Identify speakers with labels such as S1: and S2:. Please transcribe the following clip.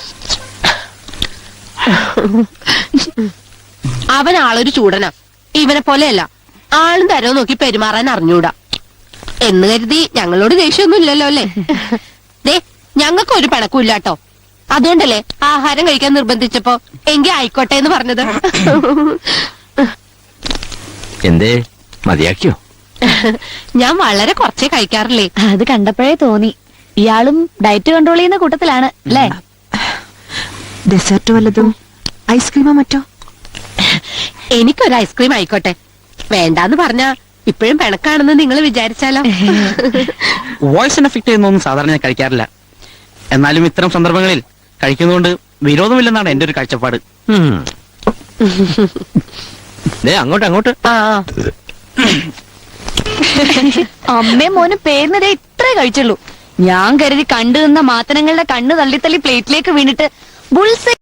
S1: അവൻ ആളൊരു ചൂടനാ. ഇവനെ പോലെയല്ല, ആളും തരവും നോക്കി പെരുമാറാൻ അറിഞ്ഞൂടാ. എന്ന് കരുതി ഞങ്ങളോട് ദേഷ്യമൊന്നും ഇല്ലല്ലോ അല്ലേ? ദേ, ഞങ്ങൾക്ക് ഒരു പിണക്കുമില്ലാട്ടോ. അതുകൊണ്ടല്ലേ ആഹാരം കഴിക്കാൻ നിർബന്ധിച്ചപ്പോ എങ്കിൽ ആയിക്കോട്ടെ എന്ന് പറഞ്ഞത്.
S2: എന്തേ മതിയാക്കിയോ?
S1: ഞാൻ വളരെ കുറച്ചേ കഴിക്കാറില്ലേ.
S3: അത് കണ്ടപ്പോഴേ തോന്നി ഇയാളും ഡയറ്റ് കൺട്രോൾ ചെയ്യുന്ന കൂട്ടത്തിലാണ് അല്ലേ?
S4: ഡെസേർട്ട് വല്ലതും, ഐസ്ക്രീമോ മറ്റോ?
S1: എനിക്കൊരു ഐസ്ക്രീം ആയിക്കോട്ടെ. വേണ്ടാന്ന് പറഞ്ഞാ ഇപ്പോഴും പിണക്കാണെന്ന് നിങ്ങൾ വിചാരിച്ചാലോ?
S5: വോയിസിന് എഫക്ട് ചെയ്യുന്നൊന്നും സാധാരണ ഞാൻ കഴിക്കാറില്ല. എന്നാലും ഇത്തരം സന്ദർഭങ്ങളിൽ കഴിക്കുന്നതുകൊണ്ട് വിരോധമില്ലെന്നാണ് എന്റെ ഒരു കാഴ്ചപ്പാട്.
S2: അങ്ങോട്ട് അങ്ങോട്ട്.
S1: ആ,
S3: അമ്മയും മോനും പേരിനതേ ഇത്രേ കഴിച്ചുള്ളൂ. ഞാൻ കരുതി കണ്ടു നിന്ന മാത്തനങ്ങളുടെ കണ്ണ് തള്ളി തള്ളി പ്ലേറ്റിലേക്ക് വീണിട്ട് ബുൾസ്